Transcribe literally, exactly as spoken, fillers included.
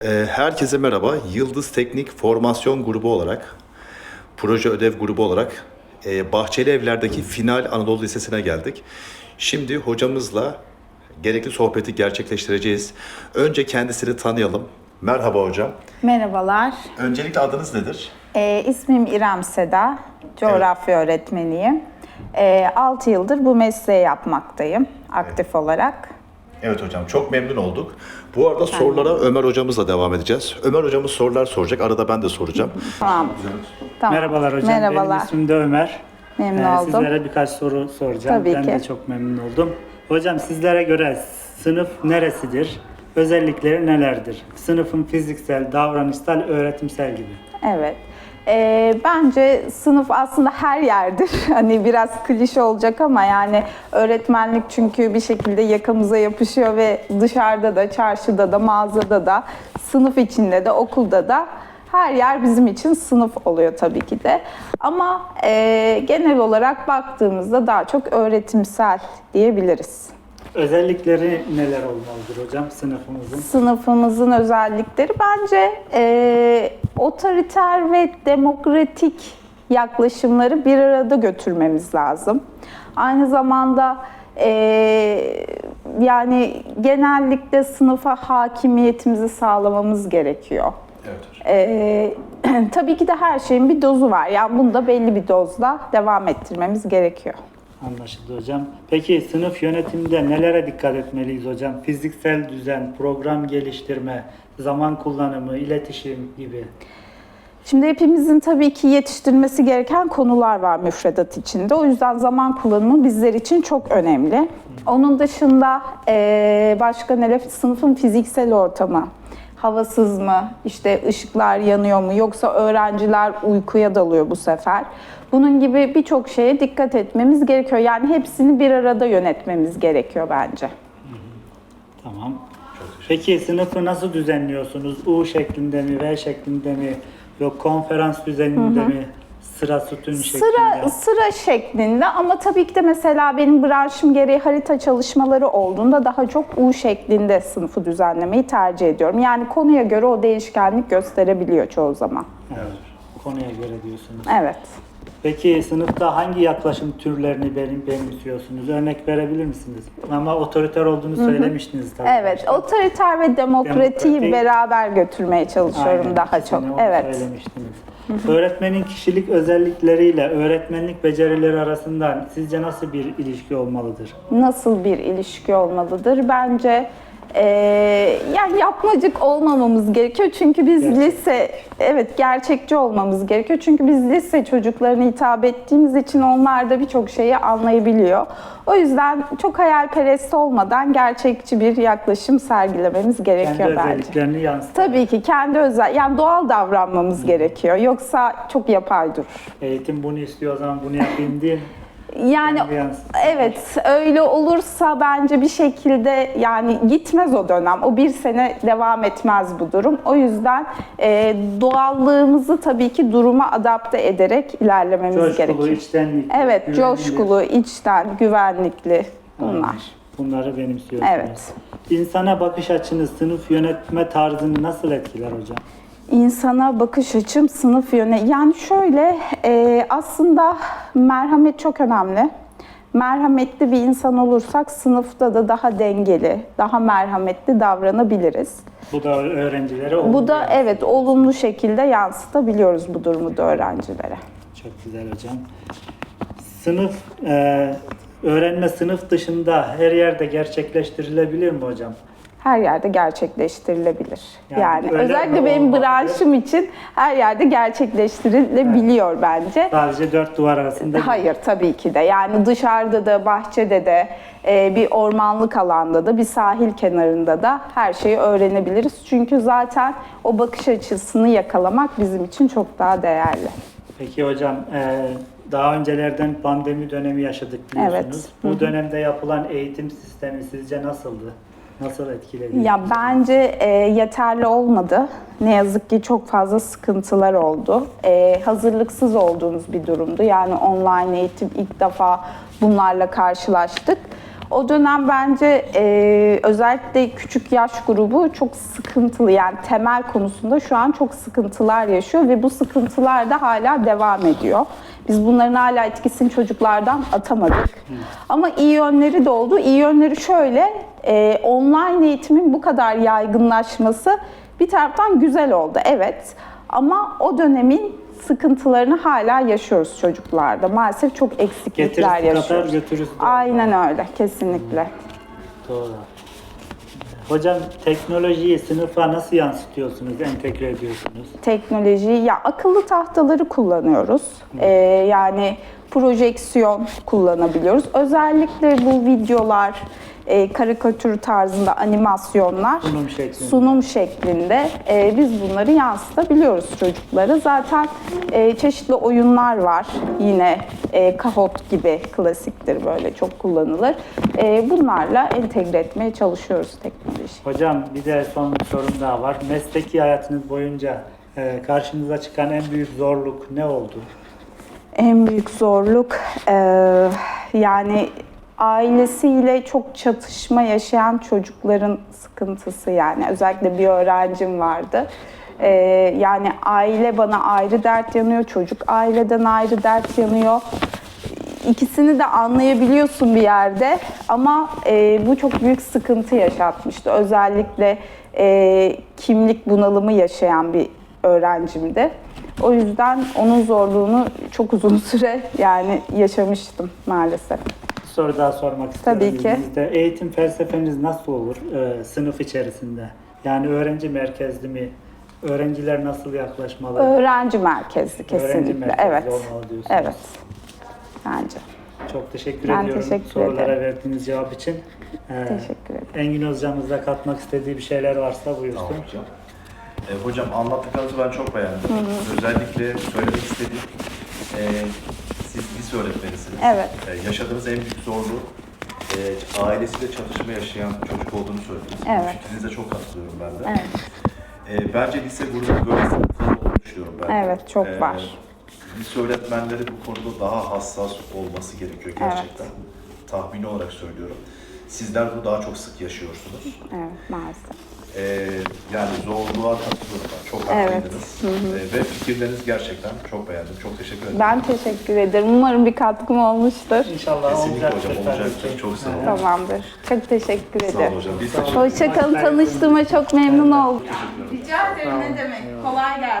Ee, Herkese merhaba. Yıldız Teknik Formasyon Grubu olarak, proje ödev grubu olarak e, Bahçeli Evler'deki Final Anadolu Lisesi'ne geldik. Şimdi hocamızla gerekli sohbeti gerçekleştireceğiz. Önce kendisini tanıyalım. Merhaba hocam. Merhabalar, Öncelikle adınız nedir? ee, ismim İrem Seda, coğrafya öğretmeniyim. Ee, altı yıldır bu mesleği yapmaktayım aktif olarak. Evet hocam, çok memnun olduk. Bu arada sorulara Ömer hocamızla devam edeceğiz. Ömer hocamız sorular soracak, arada ben de soracağım. Tamam. Tamam. Merhabalar hocam, Merhabalar. benim ismim de Ömer. Memnun Ee, oldum. Sizlere birkaç soru soracağım. Tabii ben ki. de çok memnun oldum. Hocam sizlere göre sınıf neresidir? Özellikleri nelerdir? Sınıfın fiziksel, davranışsal, öğretimsel gibi. Evet. Ee, bence sınıf aslında her yerdir. Hani biraz klişe olacak ama yani öğretmenlik çünkü bir şekilde yakamıza yapışıyor ve dışarıda da, çarşıda da, mağazada da, sınıf içinde de, okulda da her yer bizim için sınıf oluyor tabii ki de. Ama e, genel olarak baktığımızda daha çok öğretimsel diyebiliriz. Özellikleri neler olmalıdır hocam sınıfımızın? Sınıfımızın özellikleri bence e, otoriter ve demokratik yaklaşımları bir arada götürmemiz lazım. Aynı zamanda e, yani genellikle sınıfa hakimiyetimizi sağlamamız gerekiyor. Evet hocam. E, tabii ki de her şeyin bir dozu var. Yani bunu da belli bir dozla devam ettirmemiz gerekiyor. Anlaşıldı hocam. Peki sınıf yönetiminde nelere dikkat etmeliyiz hocam? Fiziksel düzen, program geliştirme, zaman kullanımı, iletişim gibi. Şimdi hepimizin tabii ki yetiştirmesi gereken konular var müfredat içinde. O yüzden zaman kullanımı bizler için çok önemli. Onun dışında eee, başka neler? Sınıfın fiziksel ortamı. Havasız mı? İşte ışıklar yanıyor mu? Yoksa öğrenciler uykuya dalıyor bu sefer. Bunun gibi birçok şeye dikkat etmemiz gerekiyor. Yani hepsini bir arada yönetmemiz gerekiyor bence. Tamam. Peki sınıfı nasıl düzenliyorsunuz? U şeklinde mi, V şeklinde mi? Yok konferans düzeninde mi? Sıra sütun şeklinde. Sıra sıra şeklinde ama tabii ki de mesela benim branşım gereği harita çalışmaları olduğunda daha çok U şeklinde sınıfı düzenlemeyi tercih ediyorum. Yani konuya göre o değişkenlik gösterebiliyor çoğu zaman. Evet. Konuya göre diyorsunuz. Evet. Peki sınıfta hangi yaklaşım türlerini benim benimsiyorsunuz? Örnek verebilir misiniz? Ama otoriter olduğunu söylemiştiniz tabii. Evet, başta. otoriter ve demokratiği Demokratik. beraber götürmeye çalışıyorum Aynen, daha ikisini çok. onu Evet. söylemiştiniz. Öğretmenin kişilik özellikleriyle öğretmenlik becerileri arasında sizce nasıl bir ilişki olmalıdır? Nasıl bir ilişki olmalıdır? Bence eee, yani yapmacık olmamamız gerekiyor çünkü biz Gerçekçi. lise, evet gerçekçi olmamız gerekiyor çünkü biz lise çocuklarına hitap ettiğimiz için onlar da birçok şeyi anlayabiliyor. O yüzden çok hayalperest olmadan gerçekçi bir yaklaşım sergilememiz gerekiyor Kendi bence. özelliklerini yansıtır. Tabii ki kendi özel, yani doğal davranmamız gerekiyor. Yoksa çok yapay durur. Eğitim bunu istiyor o zaman bunu yapayım diye. Yani Kendi yansıtır. evet öyle olursa bence bir şekilde yani gitmez o dönem. O bir sene devam etmez bu durum. O yüzden e, doğallığımızı tabii ki duruma adapte ederek ilerlememiz Coşkulu, gerekiyor. içtenlikli, Evet, güvenilir. coşkulu, içten, güvenlikli bunlar. Bunları benimsiyorsunuz. Evet. İnsana bakış açınız, sınıf yönetme tarzını nasıl etkiler hocam? İnsana bakış açım, sınıf yöne. Yani şöyle, e, aslında merhamet çok önemli. Merhametli bir insan olursak sınıfta da daha dengeli, daha merhametli davranabiliriz. Bu da öğrencilere Bu olumlu da yansıyor. evet olumlu şekilde yansıtabiliyoruz bu durumu da öğrencilere. Çok güzel hocam. Sınıf, e, öğrenme sınıf dışında her yerde gerçekleştirilebilir mi hocam? Her yerde gerçekleştirilebilir. Yani, Yani öyle özellikle mi benim olmalı? branşım için her yerde gerçekleştirilebiliyor bence. Sadece dört duvar arasında değil. Hayır tabii ki de. Yani dışarıda da, bahçede de, e, bir ormanlık alanda da, bir sahil kenarında da her şeyi öğrenebiliriz. Çünkü zaten o bakış açısını yakalamak bizim için çok daha değerli. Peki hocam, e, daha öncelerden pandemi dönemi yaşadık biliyorsunuz. Evet. Bu dönemde yapılan eğitim sistemi sizce nasıldı? Nasıl etkiledi? Ya bence e, yeterli olmadı. Ne yazık ki çok fazla sıkıntılar oldu. E, hazırlıksız olduğumuz bir durumdu. Yani online eğitim ilk defa bunlarla karşılaştık. O dönem bence e, özellikle küçük yaş grubu çok sıkıntılı, yani temel konusunda şu an çok sıkıntılar yaşıyor ve bu sıkıntılar da hala devam ediyor. Biz bunların hala etkisini çocuklardan atamadık. Ama iyi yönleri de oldu. İyi yönleri şöyle, e, online eğitimin bu kadar yaygınlaşması bir taraftan güzel oldu, evet. Ama o dönemin sıkıntılarını hala yaşıyoruz çocuklarda. Maalesef çok eksiklikler Getirisi kadar yaşıyoruz. götürüsü de Aynen öyle, kesinlikle. Doğru. Hocam teknolojiyi sınıfa nasıl yansıtıyorsunuz, entegre ediyorsunuz? Teknoloji, ya akıllı tahtaları kullanıyoruz. Ee, yani projeksiyon kullanabiliyoruz. Özellikle bu videolar, e, karikatür tarzında animasyonlar, Sunum şeklinde. sunum şeklinde e, biz bunları yansıtabiliyoruz çocuklara. Zaten e, çeşitli oyunlar var. Yine e, Kahoot gibi klasiktir, böyle çok kullanılır. E, bunlarla entegre etmeye çalışıyoruz teknolojiyi. Hocam bir de son bir sorum daha var. Mesleki hayatınız boyunca e, karşınıza çıkan en büyük zorluk ne oldu? En büyük zorluk e, yani ailesiyle çok çatışma yaşayan çocukların sıkıntısı, yani özellikle bir öğrencim vardı. E, yani aile bana ayrı dert yanıyor, çocuk aileden ayrı dert yanıyor. İkisini de anlayabiliyorsun bir yerde ama e, bu çok büyük sıkıntı yaşatmıştı. Özellikle e, kimlik bunalımı yaşayan bir öğrencimdi. O yüzden onun zorluğunu çok uzun süre yani yaşamıştım maalesef. Bir soru daha sormak istiyorum. Tabii ki. İzninizle. Eğitim felsefeniz nasıl olur e, sınıf içerisinde? Yani öğrenci merkezli mi? Öğrenciler nasıl yaklaşmalı? Öğrenci merkezli kesinlikle. Öğrenci merkezli Evet. olmalı diyorsunuz. Evet. Bence. Çok teşekkür Ben ediyorum teşekkür sorulara ederim. verdiğiniz cevap için. Ee, Teşekkür ederim. Engin hocamız da katmak istediği bir şeyler varsa buyursun. Tamam hocam. E, hocam anlattıklarınızı ben çok beğendim. Özellikle söylemek istediğim, e, siz lise öğretmenisiniz. Evet. E, yaşadığınız en büyük zorluğu e, ailesiyle çatışma yaşayan çocuk olduğunu söylediniz. Evet. Bu fikrinize çok katılıyorum ben de. Evet. E, bence lise grubu böyle sınıflar olduğunu düşünüyorum ben de. Evet, çok E, var. Lise öğretmenleri bu konuda daha hassas olması gerekiyor gerçekten. Tahmini olarak söylüyorum. Sizler bunu daha çok sık yaşıyorsunuz. Evet, maalesef. Ee, yani zorluğa katılıyorum ben. Çok Evet. haklıydınız. Ee, ve fikirleriniz gerçekten çok beğendim. Çok teşekkür ederim. Ben teşekkür ederim. Umarım bir katkım olmuştur. İnşallah Kesinlikle olacaktır. hocam, tabii olacaktır. ki. Çok sağ olun. Evet. Tamamdır. Çok teşekkür Sağ ederim. olun hocam. Biz teşekkür ederiz. Hoşça kalın. Tanıştığıma çok memnun oldum. Teşekkür ederim. Rica ederim, ne demek. Kolay gelsin.